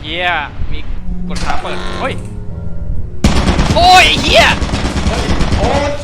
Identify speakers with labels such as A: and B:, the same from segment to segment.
A: เฮียมีกดขาเปิดเฮ้ยโอ้ยเฮีย
B: โอ๊ย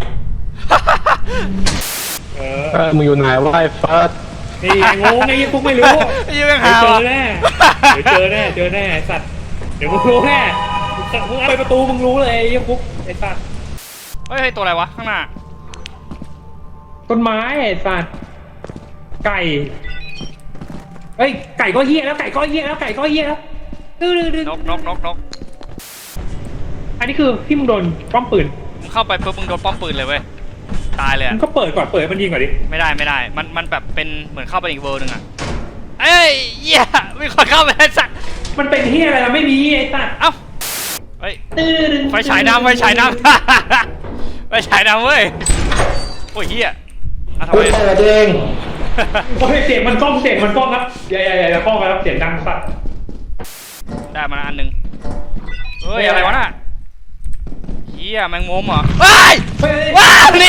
B: มึงอยู่ไหนวะไอ้เฟิร์ส
C: นี่ไงงงไงยังพวกไม่รู้
A: ยังไม่
C: เดี๋ยว
A: หา
C: เจ
A: วะ
C: อแน่เดี๋ยวเจอแน่ไอ้สัตว์เดี๋ยวมึงรู้แน่มึงเอาไปประตูมึงรู้เลยไอ้พวกไอ้สัตว์
A: เฮ้ยตัวอะไรวะข้างหน้า
C: ต้นไม้ไอ้สัตว์ไก่เฮ้ยไก่ก็เหี้ยแล้วดื้อน
A: ก
C: อันนี้คือที่มึงโดนป้อมปืน
A: มึงเข้าไปปุ๊บมึงโดนป้อมปืนเลยเว้ยตายเลย
C: มึงก็เปิดก่อนเปิดมันยิงก่อนดิ
A: ไม่ได้มันแบบเป็นเหมือนเข้าไปอีกเวิร์นึงอะเอ้ยเหี้ยมีคนเข้าไปไอ้สัตว์
C: มันเป็นเหี้ยอะไรมันไม่มีไอ้สัตว์
A: เอ้าเฮ้ยไฟฉายน้ำไฟฉายน้ำเว้ยโอ้ยเฮียทำ
B: กู
A: ไม
B: เปิดเอง
C: โอ้ยเสียงมันกล้องครับอย่ากล้องครับเสียงดังสัตว์
A: ได้มาอันนึงเฮ้ยอะไรวะน่ะเฮียแมงมุมเหรอว้ายว้าวนี่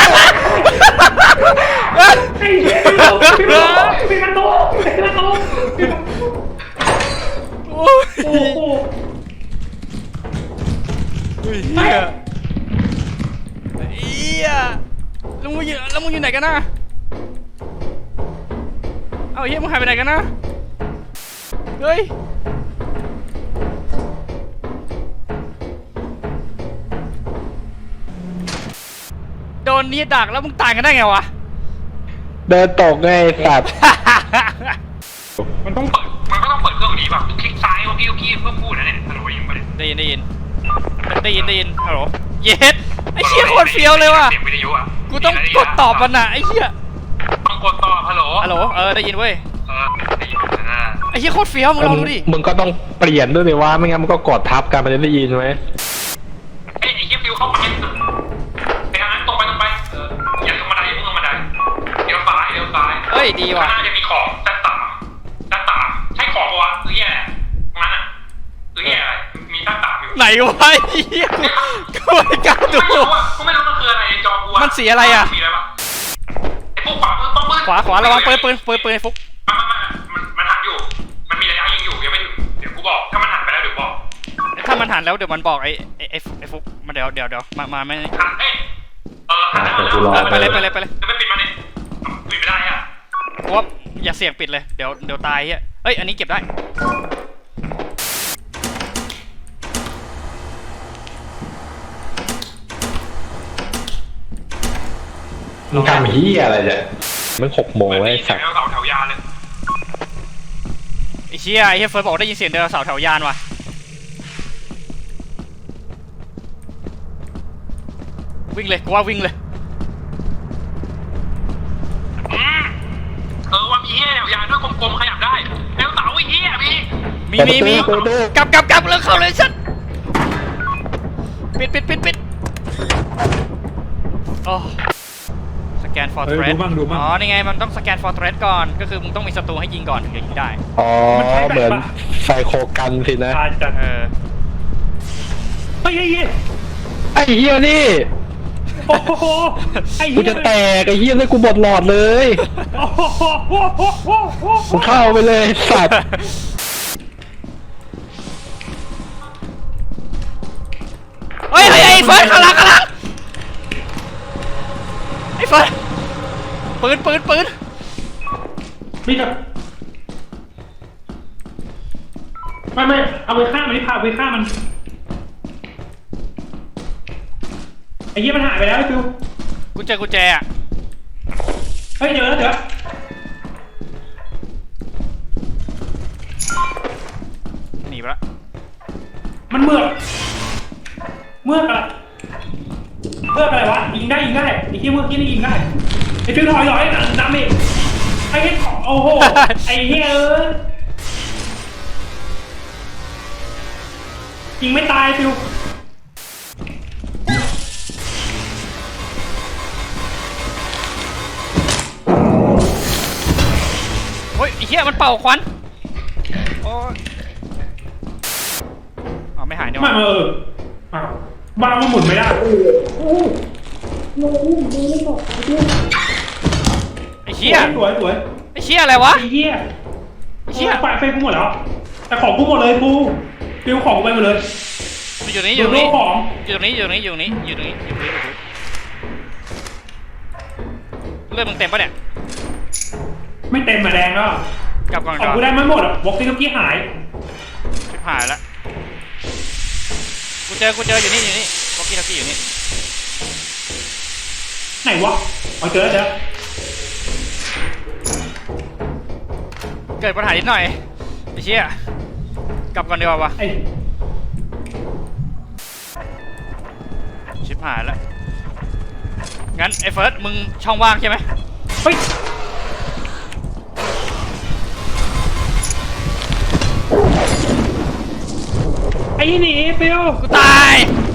C: ไอ้เหี้ยเป็นประตู
A: โอ้ย
C: โอ้โห
A: เฮียแล้วมึงอยู่ไหนกันนะเอ้าเฮียมึงหายไปไหนกันนะเฮ้ยโดนนี้ดักแล้วมึงตายกันได้ไงวะ
B: เดินตกไงไอ้สัตว์
C: มันต้อง
D: มันก็ต้องเปิดเครื่องนี้แบบคลิกซ้ายโอเคเพื่อพูดนะเนี่ยฮัลโหลยิงไปเลย
A: ได้ยินฮัลโหลเย็ดไอ้เหี้ยโคตรเฟี้ยวเลยว่ะ
D: เสียงวิทยุอ่ะ
A: กูต้องกดตอบมันน่ะไอ้เหี้ย
D: ต้องกดตอบฮัลโหล
A: ได้ยินเว้ย
D: ได้ยินนะ
A: ไอ้เหี้ยโคตรเฟี้ยวมึงลองดูดิ
B: มึงก็ต้องเปลี่ยนด้วยดิว่าไม่งั้นมันก็กดทับกันมันจะได้ยินไหม
D: ไอ้เหี้ยฟิวเข้าไปไปทางนั้นตรงไปอย่าลงบันไดพุ่งลงบันไดเดี๋ยวซ้าย
A: เฮ้ยดีว่ะ
D: น่าจะมีของด้านตาใช่ของปะวะหรือแย่ตรงนั้นอ่ะหรือแย่อะไรมีด้านตาอยู่
A: ไหนวะไอ้เหี้ยกูไม่กล้าดู
D: ไม่รู้อ่ะกูไม่รู้มันคืออะไรจอกู
A: มันสีอะไรอ่ะ
D: มีอะไรปะไอ้พวกขวามือป้อมปืน
A: ขวาระวังปืนไอ้ฟุก
D: มันหันอยู่ มันมีระยะยิงอยู่ยังไม่ถึงเดี๋ยวกูบอกถ้ามันหันไปแล้วเดี๋ยวบอก
A: ถ้ามันหันแล้วเดี๋ยวมันบอกไอ้ฟุกมาเดี๋ยวมาไม่
D: หันหันแล้ว
A: ไปเลย
D: จะไม่ปิดมันเนี่ยปิดไม่ได้อ่ะ
A: กูว่าอย่าเสี่ยงปิดเลยเดี๋ยวตายเหี้ยเอ้ยอันนี้เก็บได้
B: มึงทำเฮียอะไรเนี่ยมัน6 โมงแล้วไอ้สัตว์
D: เสาแถวยานเลย
A: ไอ้เหี้ยเฟิร์สบอกได้ยินเสียงเดินเสาแถวยานว่ะวิ่งเลยกูว่าวิ่งเลย
D: ว่ามีเหี้ยแถวยานด้วยกลมๆขยับได้แล้วเสาไอ้เหี้ยพี่
A: มีกลับแล้วเข้าเลยชัดปิดโอ้สแกน for
C: เออ
A: threat
C: ดูมั่ง
A: อ๋อนี่ไงมันต้องสแกน for threat ก่อนก็คือมึงต้องมีศัตรูให้ยิงก่อนถึงจะยิงได้
B: อ๋อเหมือนไซโคกันสินะ
C: อาจจะ
A: เออ
C: เฮ้ย
B: ไอ้เฮียนี่
C: โอ้โหไอ้
B: กูจะแตกไอ้เฮียเลยกูบดหลอดเลย
C: โอ้โห
B: กูเข้าไปเลยสัตว์
A: เฮ้ยไอ้เฟิร์สข้างหลังไอ้เฟิร์สปืน
C: มีกับไม่เอาไปฆ่ามันนี่พาไปฆ่ามันไอ้เหี้ยมันหายไปแล้วไอ้ฟิว
A: กุญแจอะ
C: เฮ้ยเดี๋ยว
A: หนีไปละ
C: มันเมือกอะไรวะยิงได้ไอ้เหี้ยเมือกที่นี่ยิงได้ไอ้ฟิวถอยน้ำเองไอ้เหี้ยของโอ้โหไอ้เหี้ยยิงไม่ตายฟิว
A: เฮ้ยไอ้เหี้ยมันเป่าควันโอ้ยอ๋อไม่หายเนี่ย
C: ไม่บ้ามันหมุนไม่ได้
A: ไอ้เหี้ย
C: สวย
A: ไอ้เหี้ยอะไรวะ
C: ไอ้เหี้ย
A: เชี่ย
C: ไปกูหมดแล้วแต่ของกูหมดเลยกูฟิวของกูไปหมดเลย
A: อยู่นี่อยู่
C: โด
A: นี่
C: นของ
A: อยู่นี่อยู่นี่อยู่นี่อยู่นี่อยู่นี่เลือดมึงเต็มปะเนี่ย
C: ไม่เต็มมาแดงแล้ว
A: กลับก่อน
C: ของ
A: ก่อน
C: กูได้ไม่หมดอ่ะวอกซี่เมื่อกี้หาย
A: ชิบหายแล้วกูเจออยู่นี่วอกกี้ทักกี้อยู่นี่
C: ไหนวะเอาเจอแล้ว
A: เกิดปัญหานิดหน่อยไอ้เชี่ยกลับก่อนดีกว่าวะ
C: ไอ้
A: ชิบหายแล้วงั้นไอ้เฟิร์สมึงช่องว่างใช่ไหม
C: เฮ้ยไอ้หนีฟิว
A: กูตาย